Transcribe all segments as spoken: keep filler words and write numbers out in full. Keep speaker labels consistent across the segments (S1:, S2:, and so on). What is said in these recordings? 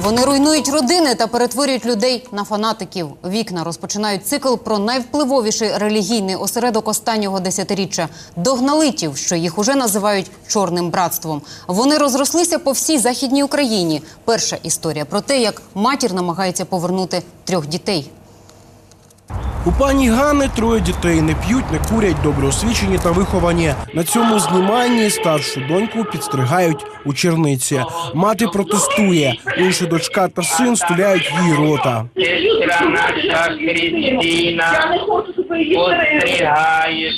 S1: Вони руйнують родини та перетворюють людей на фанатиків. «Вікна» розпочинають цикл про найвпливовіший релігійний осередок останнього десятиріччя – догналитів, що їх уже називають «чорним братством». Вони розрослися по всій Західній Україні. Перша історія про те, як матір намагається повернути трьох дітей.
S2: У пані Ганни троє дітей. Не п'ють, не курять, добре освічені та виховані. На цьому зніманні старшу доньку підстригають у черниці. Мати протестує. Інша дочка та син стуляють їй рота.
S3: Сестра наша Христина постригає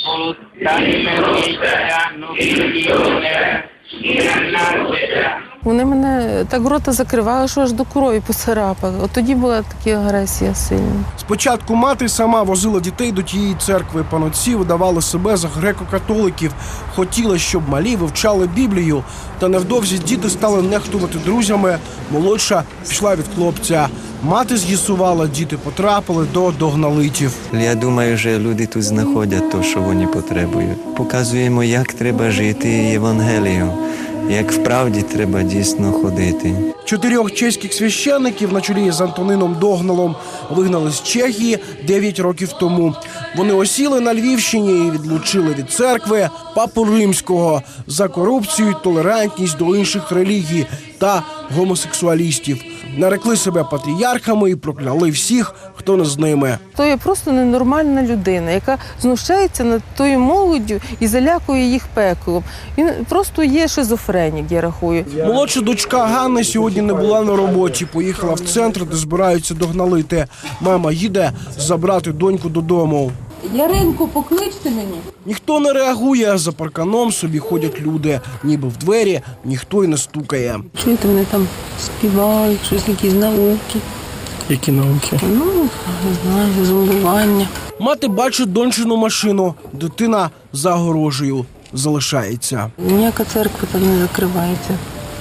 S4: Вони мене так рота закривали, що аж до крові поцарапали. От тоді була така агресія сильна.
S2: Спочатку мати сама возила дітей до тієї церкви. Панотці видавали себе за греко-католиків. Хотіли, щоб малі вивчали Біблію. Та невдовзі діти стали нехтувати друзями. Молодша пішла від хлопця. Мати з'ясувала, діти потрапили до догналитів.
S5: Я думаю, що люди тут знаходять те, що вони потребують. Показуємо, як треба жити Євангелієм, як вправді треба дійсно ходити.
S2: Чотирьох чеських священників на чолі з Антонином Догналом вигнали з Чехії дев'ять років тому. Вони осіли на Львівщині і відлучили від церкви папу Римського за корупцію, толерантність до інших релігій та гомосексуалістів. Нарекли себе патріархами і прокляли всіх, хто не з ними.
S4: То є просто ненормальна людина, яка знущається над тою молоддю і залякує їх пеклом. Він просто є шизофренік, я рахую.
S2: Молодша дочка Ганни сьогодні не була на роботі. Поїхала в центр, де збираються догналити. Мама їде забрати доньку додому.
S4: Яринку, покличте мені.
S2: Ніхто не реагує. За парканом собі ходять люди. Ніби в двері ніхто й не стукає.
S4: Чуєте, вони там співають, щось, якісь науки.
S2: Які науки?
S4: Ну, не знаю, зомбування.
S2: Мати бачить дончину машину. Дитина за огорожею залишається.
S4: Ніяка церква там не закривається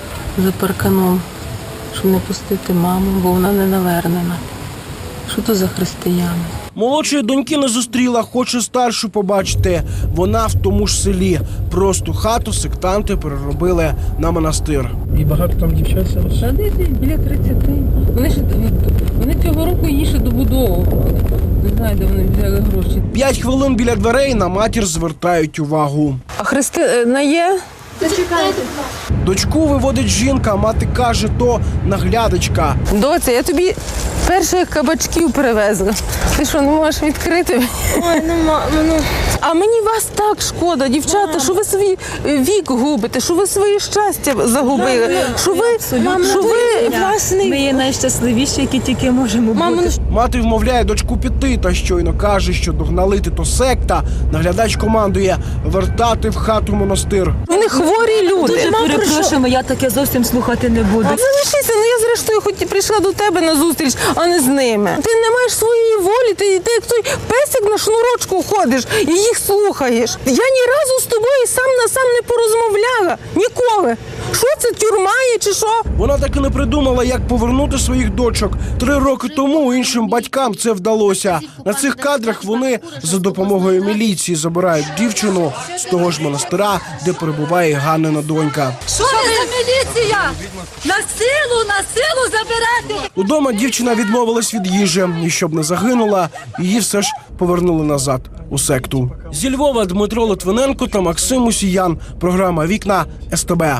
S4: за парканом, щоб не пустити маму, бо вона не навернена. Що то за християни?
S2: Молодшої доньки не зустріла, хоче старшу побачити. Вона в тому ж селі. Просто хату сектанти переробили на монастир.
S6: І багато там дівчат зараз?
S4: Та де біля тридцяти. Вони ж вони цього року її ще добудовували. Не знаю, де вони взяли гроші.
S2: П'ять хвилин біля дверей на матір звертають увагу.
S4: А Христина є?
S7: Зачекайте.
S2: Дочку виводить жінка, мати каже, то наглядачка.
S4: Доця, я тобі перших кабачків привезла. Ти що, не можеш відкрити?
S7: Ой, ну, ну.
S4: А мені вас так шкода, дівчата, що ви свій вік губите, що ви своє щастя загубили, що ви, що ви власний...
S7: Ми є найщасливіші, які тільки можемо бути.
S2: Мати вмовляє дочку піти, та щойно каже, що догналити то секта. Наглядач командує вертати в хату монастир.
S4: Вони хворі люди.
S7: Дуже перепрошуємо, я таке зовсім слухати не буду.
S4: Залишися, ну я зрештою хоч і прийшла до тебе на зустріч, а не з ними. Ти не маєш своєї волі, ти, ти як той песик на шнурочку ходиш і їх слухаєш. Я ні разу з тобою сам на сам не порозмовляла. Ніколи. Що це, тюрма є чи що?
S2: Вона так і не придумала, як повернути своїх дочок. Три роки тому іншим батькам це вдалося. На цих кадрах вони за допомогою міліції забирають дівчину з того ж монастира, де перебуває Ганнина донька.
S8: Що ви за міліція? На силу, на силу забирати!
S2: Удома дівчина відмовилась від їжі. І щоб не загинула, її все ж повернули назад у секту. Зі Львова Дмитро Литвиненко та Максим Мусіян. Програма «Вікна» ес те бе.